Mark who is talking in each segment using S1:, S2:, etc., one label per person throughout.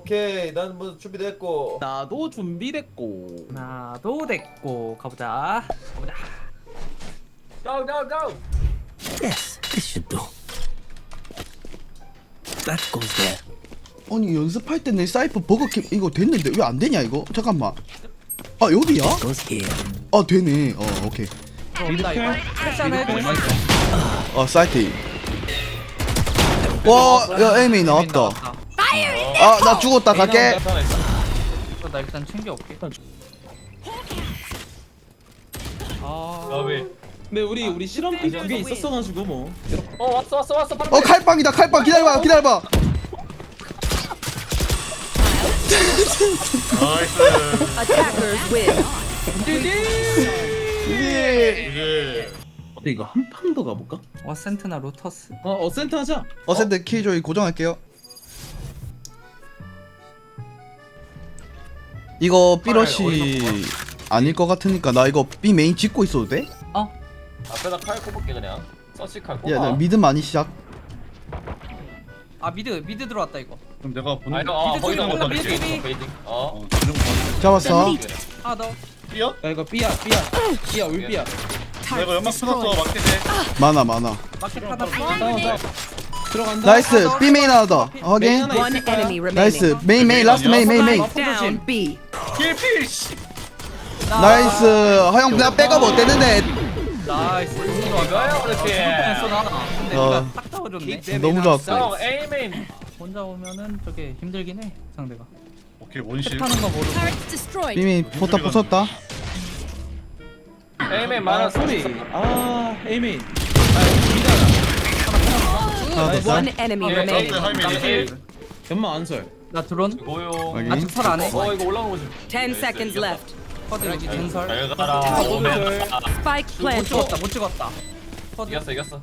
S1: 오케이 난 뭐 준비됐고.
S2: 나도 준비됐고.
S3: 나도 됐고 가보자. 가보자.
S1: Go go go.
S4: Yes, this should do. That goes there.
S5: 아니 연습할 때 내 사이퍼 버거캡 이거 됐는데 왜 안 되냐 이거? 잠깐만. 아 여기야?
S4: Goes here.
S5: 아 되네. 오케이.
S3: 온다 이거. 패션 해줄 수 있어.
S5: 사이트. 와, 야 에이미 나왔다. 아 나 죽었다 갈게.
S3: 나 일단 챙겨올게. 아.
S1: 여비.
S2: 근데 우리 실험비 그게 있었어가지고 뭐.
S1: 왔어 바로.
S5: 칼빵이다 칼빵 기다려봐.
S6: Attackers win.
S5: 예.
S2: 근데 이거 한 판 더 가볼까?
S3: 어센트나 로터스.
S2: 어센트 하자.
S5: 어센트 키조이 고정할게요. 이거 삐러시 아닐 것 같으니까 나 이거 B 메인 짓고 있어도 돼?
S1: 앞에다 칼 꼽을게 그냥. 서치 칼 꼽아.
S5: 야, 나 미드 많이 시작.
S3: 아 미드 들어왔다 이거.
S7: 그럼 내가 보는
S1: 아니
S7: 거
S1: 너
S3: 미드
S1: 거기다
S3: 쪽에
S1: 못
S3: 미드
S1: 던지.
S3: 쪽에.
S1: 베이팅. 어.
S7: 지금 봐.
S5: 잡았어.
S3: 아 너.
S7: 뛰어?
S2: 야 이거 삐야 울삐야.
S7: 내가 연막 끊었어 맞게 돼.
S5: 많아.
S3: 마켓 하나
S2: 들어간다.
S5: 나이스. B 메인 하나 더. 확인.
S2: 하나
S6: One
S2: 있을 거야.
S6: enemy
S5: 나이스.
S6: remaining.
S5: 메인 라스트 메인.
S6: Down B.
S7: 필필 씨.
S5: 나이스. 형 나 백업 어땠는데?
S3: 나이스.
S1: 이거야 그렇지.
S3: 했어 나. 근데
S5: 어.
S3: 네가 딱 잡아줬네.
S5: 너무 좋았어.
S1: 형 에이메인.
S3: 혼자 오면은 저게 힘들긴 해 상대가.
S7: 오케이 원실.
S3: 탭하는 거 모르고.
S5: B 메인 포탑 부쉈다.
S1: 에이메인
S2: 아
S1: 많았어.
S2: 소리. 아 에이메인.
S5: 하나 더
S6: One
S5: 쌀.
S6: enemy
S1: 예,
S6: remaining.
S1: 하이메인.
S2: 연마 안설.
S3: 나 드론.
S1: 고용.
S5: 확인.
S3: 아직 살 안 해.
S1: 이거 올라오는 거지.
S6: 10 seconds left.
S3: 퍼드 여기 전설.
S1: 잘 가라. 오면.
S6: Spike
S3: 못
S6: planted.
S3: 찍었다 못 찍었다. 퍼드.
S1: 이겼어.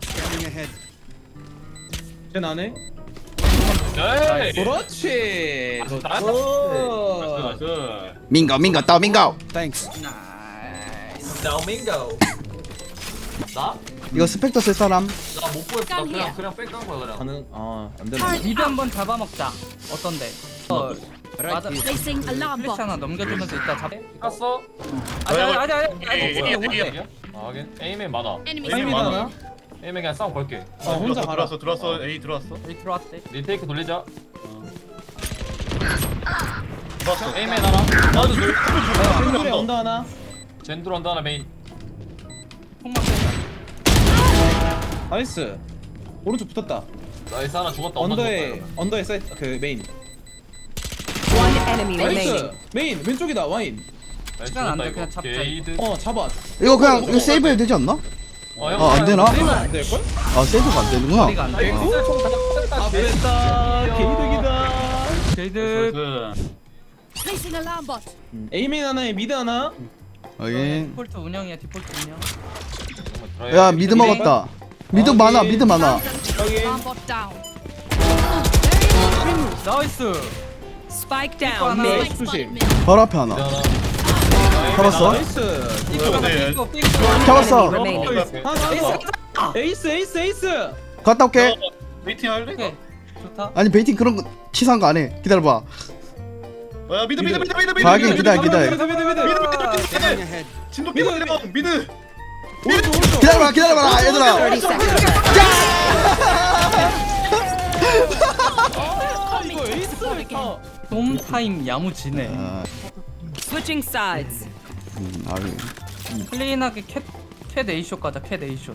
S2: 쟤 나네.
S1: 에이.
S2: 그렇지.
S1: 나이스.
S2: 오.
S5: 민거 따 민거.
S3: 나이스.
S1: 나오밍고. 나?
S5: 이거 스펙터 쓸 사람.
S1: 나 못 보였어. 나 그냥 빽깐 거야 그냥.
S2: 가능. 안 되네.
S3: 미드 한번 잡아먹자. 어떤데? 맞아.
S6: Placing alarm
S3: 플래시 하나 넘겨주면서 이따 잡.
S1: 깠어?
S3: 아니.
S1: 아 하긴 에이맨 많아.
S2: 에이메인 하나.
S1: 에이맨 그냥 싸움 걸게.
S2: 혼자 가라.
S7: 들어왔어 A 들어왔어.
S3: 여기 들어왔대.
S1: 리테이크 돌리자.
S7: 들어왔어.
S1: 에이맨 하나. 나도 놀.
S2: 팬들의 언더 하나.
S1: 젠드로 한다 하나 메인.
S3: 폭막
S2: 나이스. 오른쪽 붙었다.
S1: 나이스 하나 죽었다.
S2: 언더에 사이트 그 메인.
S6: One enemy
S2: 나이스.
S6: remaining.
S2: 메인 왼쪽이다 와인.
S3: 시간 안 돼, 그냥 잡자.
S1: 게이드.
S2: 잡아.
S5: 이거 그냥 이거 세이브 해야 되지 않나? 아, 안 되나?
S2: 안 될 걸?
S5: 아 세이브가 안 되는구나.
S3: 머리가 안 돼.
S2: 아 됐다. 개이득이다.
S3: 제이드
S6: Placing alarm bot.
S2: 에이메인 하나에 미드 하나.
S5: 확인.
S3: 디폴트 운영이야 디폴트 운영.
S5: 야 미드 먹었다. 미드 많아. 미드 많아.
S2: 여기.
S6: Alarm bot down.
S3: 나이스.
S6: Spike down
S3: 하나.
S6: mid.
S2: 조심.
S5: 바로 앞에 하나. 잡았어.
S2: 나이스.
S7: 근데
S5: 잡았어.
S6: Remaining.
S2: 에이스.
S5: 갔다 올게.
S7: 웨이팅 할래?
S3: 오케이 좋다.
S5: 아니 베이팅 그런 거 치사한 거 안 해. 기다려봐.
S7: 야 미드.
S5: 가긴 기다려.
S7: 진도 미드. 미드.
S5: 기다려봐 얘들아.
S6: 30 seconds
S2: 아 이거 에이스.
S3: 돔 타임 야무지네.
S5: 아,
S6: Switching sides.
S5: 아유.
S3: 클린하게 캣 A쇼 가자. 캣 A쇼.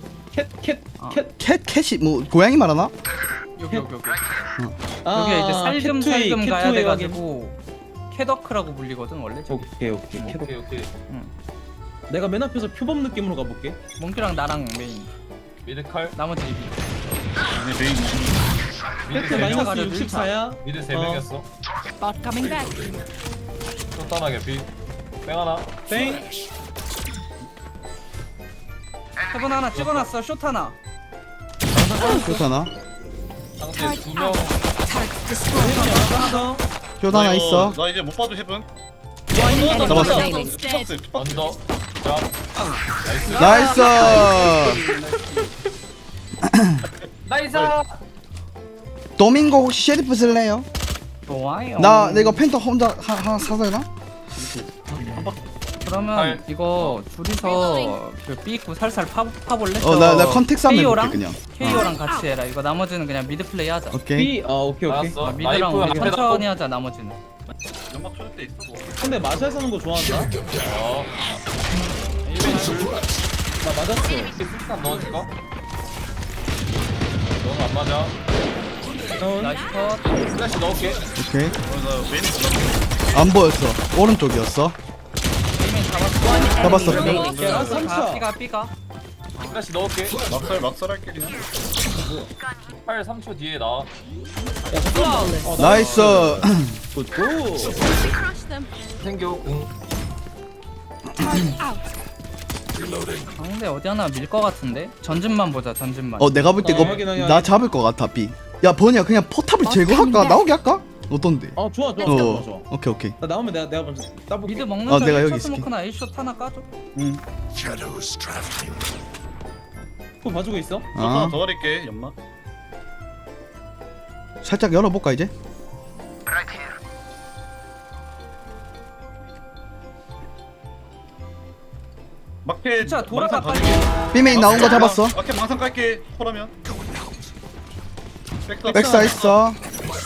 S5: 캣이 뭐 고양이 말하나?
S3: 여기. 여기가 이제 살금 가야 돼가지고 캐더크라고 불리거든 원래. 저기.
S2: 오케이. 내가 맨 앞에서 표범 느낌으로 가볼게.
S3: 몽키랑 나랑 메인.
S1: 미드 칼.
S3: 나머지 이비.
S7: 메인.
S1: 미드
S2: 팩트
S1: 세 명.
S2: 마이너스 64야.
S1: 미드 세 명이었어.
S6: Bot coming back.
S1: 쫀단하게 비. 뺑 하나.
S2: 땡.
S3: 세븐 하나 찍어놨어. 숏 하나.
S5: 좋잖아.
S1: 상대 두 명.
S2: 하나 더.
S5: 쇼다 하나 있어.
S7: 나 이제 못 봐도 해븐.
S6: One enemy
S5: 잡았어.
S6: remaining.
S7: 투박스.
S1: 언더. 자.
S5: 나이스.
S1: 나이스.
S5: 도밍고 혹시 셰리프 쓸래요?
S3: 좋아요.
S5: 나 이거 펜터 혼자 하나 사도 되나?
S3: 그러면
S1: 알.
S3: 이거 둘이서 그 B구 살살 파볼래?
S5: 나 컨택스 한번
S3: KO랑
S5: 해볼게 그냥.
S3: KO랑 같이 해라. 이거 나머지는 그냥 미드 플레이 하자.
S5: 오케이.
S2: B 오케이.
S1: 알았어.
S3: 미드랑
S1: 나이프
S3: 우리
S1: 앞에다
S3: 천천히 하자. 나머지는.
S7: 연막 쳐줄 때 있어 뭐.
S2: 근데 마샬 사는 거 좋아한다.
S1: 어.
S2: 나 맞았어.
S1: 스탄 넣어줄까? 너는 안 맞아.
S2: 다운.
S3: 나이스 컷.
S1: 플래시 넣을게.
S5: 오케이.
S7: 나 메인
S5: 안 보였어. 오른쪽이었어.
S3: 게임인 잡았어.
S6: One
S5: 잡았어.
S6: enemy remaining.
S2: 야,
S3: 가
S2: 삼차.
S3: B가.
S1: 플래시 넣을게.
S7: 막살 할게 그냥.
S1: 8 3초 뒤에 나와.
S6: Flawless.
S5: 나이스.
S2: 굿굿.
S1: 생겨 궁.
S3: 상대 어디 하나 밀 것 같은데? 전진만 보자. 전진만.
S5: 내가 볼 때 이거
S2: 확인.
S5: 나 잡을 것 같아 B. 야 버니야 그냥 포탑을 제거할까? 나오게 할까? 어떤데?
S2: 좋아.
S5: 오케이.
S2: 나 나오면 내가 먼저 따볼게.
S3: 미드 먹는
S5: 내가 여기
S3: 척
S5: 있을게.
S3: 스모크나 A숏 하나 까줘.
S2: 그거 봐주고 있어.
S7: 하나 더 가릴게 연막.
S5: 살짝 열어볼까 이제?
S7: 막패.
S3: 진짜 돌아가
S7: 망상
S3: 빨리.
S7: 가줄게.
S5: B메인 나온 거 잡았어.
S7: 막패 망상 깔게. 콜하면. 백사.
S5: 백사 있어.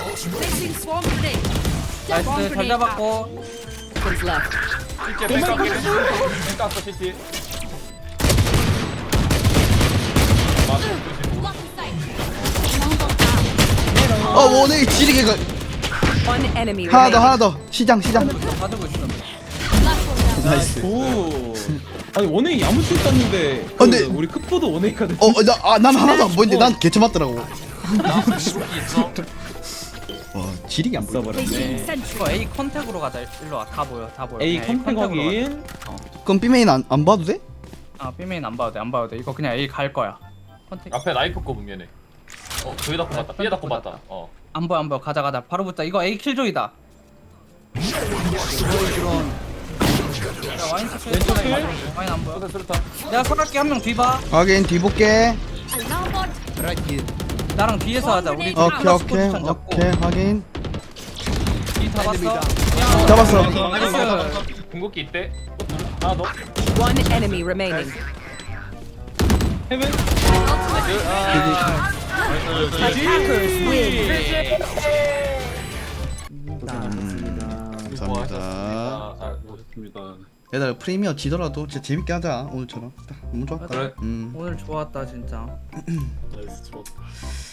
S3: 나이스 잘 잡았고.
S6: Seconds left.
S1: CT 뺑 깠어 CT. 맞아.
S5: 원에 지리게 가.
S6: One enemy
S5: 하나
S6: remaining.
S5: 더. 시장.
S3: 가지고 있어.
S5: 나이스.
S2: 오. 아니 원웨이 야무치 땄는데.
S5: 근데-
S2: 우리 크포도 원웨이거든.
S5: 난 하나도 안 보이는데 난 개체 맞더라고.
S1: 있어.
S5: 와 지리게 안 보여.
S2: 써버렸네.
S3: 이거 A 컨택으로 가자. 일로 와. 다 보여.
S2: A
S3: 그냥
S2: 컴팩
S3: 컨택으로
S2: 확인.
S5: 그럼 B메인 안 봐도 돼?
S3: 가자. B메인 안 봐도 돼. 안 봐도 돼. 이거 그냥 A 갈 거야. 컨택.
S1: 앞에 나이프 꼽으면 얘네. 저기 닫고 봤다. 삐에 닫고 봤다.
S3: 안 보여. 가자. 바로 붙자. 이거 A 킬조이다. 야, 와인 스킬.
S2: 왼쪽 킬.
S3: 와인 안 보여.
S1: 수류탄.
S3: 내가 설할게. 한 명 뒤봐.
S5: 확인 뒤 볼게.
S3: 나랑 뒤에서 하자. 우리
S5: 오케이 확인.
S3: 뒤 잡았어.
S5: 잡았어.
S3: 나이스.
S1: 궁극기 있대. 하나 더.
S6: One enemy remaining.
S2: 헤븐.
S6: Attackers win.
S5: 감사합니다.
S7: 좋습니다.
S5: 얘들아 프리미어 지더라도 진짜 재밌게 하자 오늘처럼. 너무 좋았다.
S1: 그래.
S3: 오늘 좋았다 진짜.
S7: 나이스 좋았다.